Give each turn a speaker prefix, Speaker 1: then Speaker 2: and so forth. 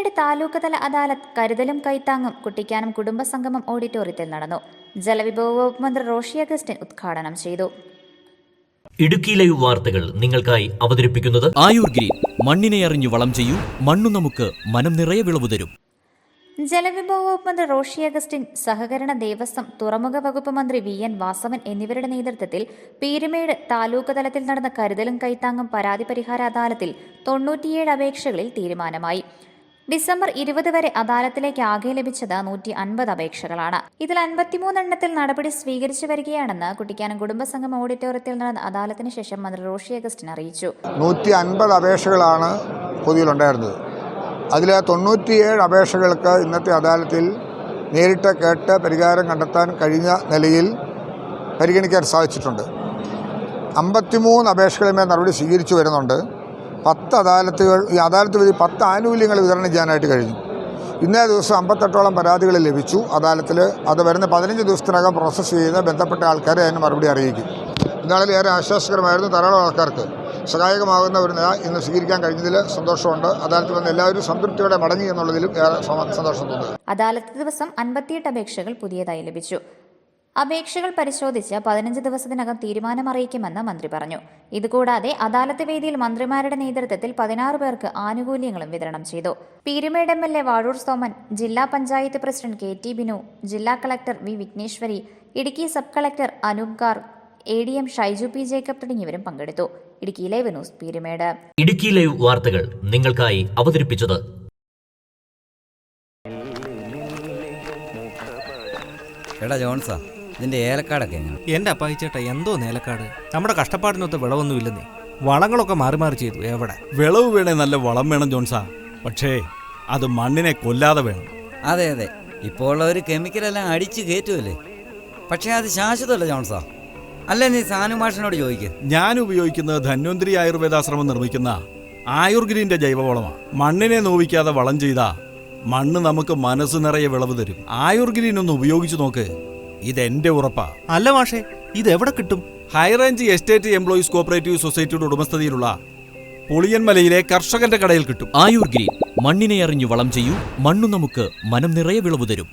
Speaker 1: പീരുമേട് താലൂക്ക് തല അദാലത്ത് കരുതലും കൈത്താങ്ങും കുട്ടിക്കാനം കുടുംബസംഗമം ഓഡിറ്റോറിയത്തിൽ നടന്നു. ജലവിഭവ വകുപ്പ് മന്ത്രി റോഷി അഗസ്റ്റിൻ ഉദ്ഘാടനം ചെയ്തു.
Speaker 2: ഇടുക്കി ലൈവ് വാർത്തകൾ നിങ്ങൾക്കായി അവതരിപ്പിക്കുന്നത്
Speaker 3: ആയുർ ഗ്രീൻ. മണ്ണിനെ അറിഞ്ഞു വളം ചെയ്യൂ, മണ്ണു നമുക്ക് മനം നിറയെ വിളവ് തരും.
Speaker 1: ജലവിഭവ വകുപ്പ് മന്ത്രി റോഷി അഗസ്റ്റിൻ, സഹകരണ ദേവസ്വം, തുറമുഖ വകുപ്പ് മന്ത്രി VN വാസവൻ എന്നിവരുടെ നേതൃത്വത്തിൽ പീരുമേട് താലൂക്ക് തലത്തിൽ നടന്ന കരുതലും കൈത്താങ്ങും പരാതി പരിഹാര അദാലത്തിൽ 97 അപേക്ഷകളിൽ തീരുമാനമായി. ഡിസംബർ 20 വരെ അദാലത്തിലേക്ക് ആകെ ലഭിച്ചത് 150 അപേക്ഷകളാണ്. ഇതിൽ 53 എണ്ണത്തിൽ നടപടി സ്വീകരിച്ചു വരികയാണെന്ന് കുട്ടിക്കാനം കുടുംബസംഗമം ഓഡിറ്റോറിയത്തിൽ നടന്ന അദാലത്തിന് ശേഷം മന്ത്രി റോഷി അഗസ്റ്റിൻ അറിയിച്ചു.
Speaker 4: 150 അപേക്ഷകളാണ് പൊതുവിലുണ്ടായിരുന്നത്. അതിൽ 97 അപേക്ഷകൾക്ക് ഇന്നത്തെ അദാലത്തിൽ നേരിട്ട് കേട്ട് പരിഹാരം കണ്ടെത്താൻ കഴിഞ്ഞ നിലയിൽ പരിഗണിക്കാൻ സാധിച്ചിട്ടുണ്ട്. 53 അപേക്ഷകളുമേൽ നടപടി സ്വീകരിച്ചു വരുന്നുണ്ട്. 10 അദാലത്തുകൾ, ഈ അദാലത്ത് വഴി 10 ആനുകൂല്യങ്ങൾ വിതരണം ചെയ്യാനായിട്ട് കഴിഞ്ഞു. ഇന്നേ ദിവസം 58ഓളം പരാതികൾ ലഭിച്ചു. അദാലത്തിൽ അത് വരുന്ന 15 ദിവസത്തിനകം പ്രോസസ്സ് ചെയ്യുന്ന ബന്ധപ്പെട്ട ആൾക്കാരെ അതിന് മറുപടി അറിയിക്കും. എന്നാലും ഏറെ ആശ്വാസകരമായിരുന്നു. ധാരാളം ആൾക്കാർക്ക് സഹായകമാകുന്ന ഒരു നില ഇന്ന് സ്വീകരിക്കാൻ കഴിഞ്ഞതിൽ സന്തോഷമുണ്ട്. അദാലത്തിൽ വന്ന് എല്ലാവരും സംതൃപ്തിയോടെ മടങ്ങി എന്നുള്ളതിലും ഏറെ സന്തോഷം തോന്നുന്നു.
Speaker 1: അദാലത്ത് ദിവസം 58 അപേക്ഷകൾ പുതിയതായി ലഭിച്ചു. അപേക്ഷകൾ പരിശോധിച്ച് 15 ദിവസത്തിനകം തീരുമാനം അറിയിക്കുമെന്ന് മന്ത്രി പറഞ്ഞു. ഇതുകൂടാതെ അദാലത്ത് വേദിയിൽ മന്ത്രിമാരുടെ നേതൃത്വത്തിൽ 16 പേർക്ക് ആനുകൂല്യങ്ങളും വിതരണം ചെയ്തു. പീരുമേട് MLA വാഴൂർ സോമൻ, ജില്ലാ പഞ്ചായത്ത് പ്രസിഡന്റ് KT ബിനു, ജില്ലാ collector V Vigneshwari, Idukki sub collector Anoop Garg, ADM Shaiju P Jacob തുടങ്ങിയവരും പങ്കെടുത്തു. Idukki live news Peermade.
Speaker 2: Idukki live വാർത്തകൾ നിങ്ങൾക്കായി അവതരിപ്പിച്ചത്
Speaker 5: എടാ ജോൺസാ, ഇതിന്റെ ഏലക്കാടൊക്കെ എങ്ങനെ?
Speaker 6: എന്റെ അപ്പായിച്ചേട്ടാ, എന്തോ ഏലക്കാട്? നമ്മുടെ കഷ്ടപ്പാടിനൊത്ത് വിളവൊന്നുമില്ലെന്നേ. വളങ്ങളൊക്കെ മാറി മാറി ചെയ്തു. എവിടെ
Speaker 7: വിളവ് വേണേ നല്ല വളം വേണം ജോൺസാ, പക്ഷേ അത് മണ്ണിനെ കൊല്ലാതെ വേണം.
Speaker 5: അതെ അതെ, ഇപ്പോൾ ഉള്ളവർ കെമിക്കലെല്ലാം അടിച്ച് കയറ്റുമല്ലേ. പക്ഷേ അത് ശാശ്വതമല്ല ജോൺസാ. അല്ല, നീ സാനുമാഷിനോട് ചോദിക്ക്.
Speaker 7: ഞാൻ ഉപയോഗിക്കുന്നത് ധന്വന്തരി ആയുർവേദാശ്രമം നിർമ്മിക്കുന്ന ആയുർ ഗ്രീൻ്റെ ജൈവവളമാണ്. മണ്ണിനെ നോവിക്കാതെ വളം ചെയ്താ മണ്ണ് നമുക്ക് മനസ്സ് നിറയെ വിളവ് തരും. ആയുർ ഗ്രീൻ ഒന്ന് ഉപയോഗിച്ചു നോക്ക്, ഇതെന്റെ ഉറപ്പാ.
Speaker 6: അല്ല മാഷേ, ഇതെവിടെ കിട്ടും?
Speaker 7: ഹൈറേഞ്ച് എസ്റ്റേറ്റ് എംപ്ലോയീസ് കോപ്പറേറ്റീവ് സൊസൈറ്റിയുടെ ഉടമസ്ഥതയിലുള്ള പുളിയൻമലയിലെ കർഷകന്റെ കടയിൽ കിട്ടും.
Speaker 3: ആയുർ ഗ്രീൻ. മണ്ണിനെ അറിഞ്ഞു വളം ചെയ്യൂ, മണ്ണു നമുക്ക് മനം നിറയെ വിളവ് തരും.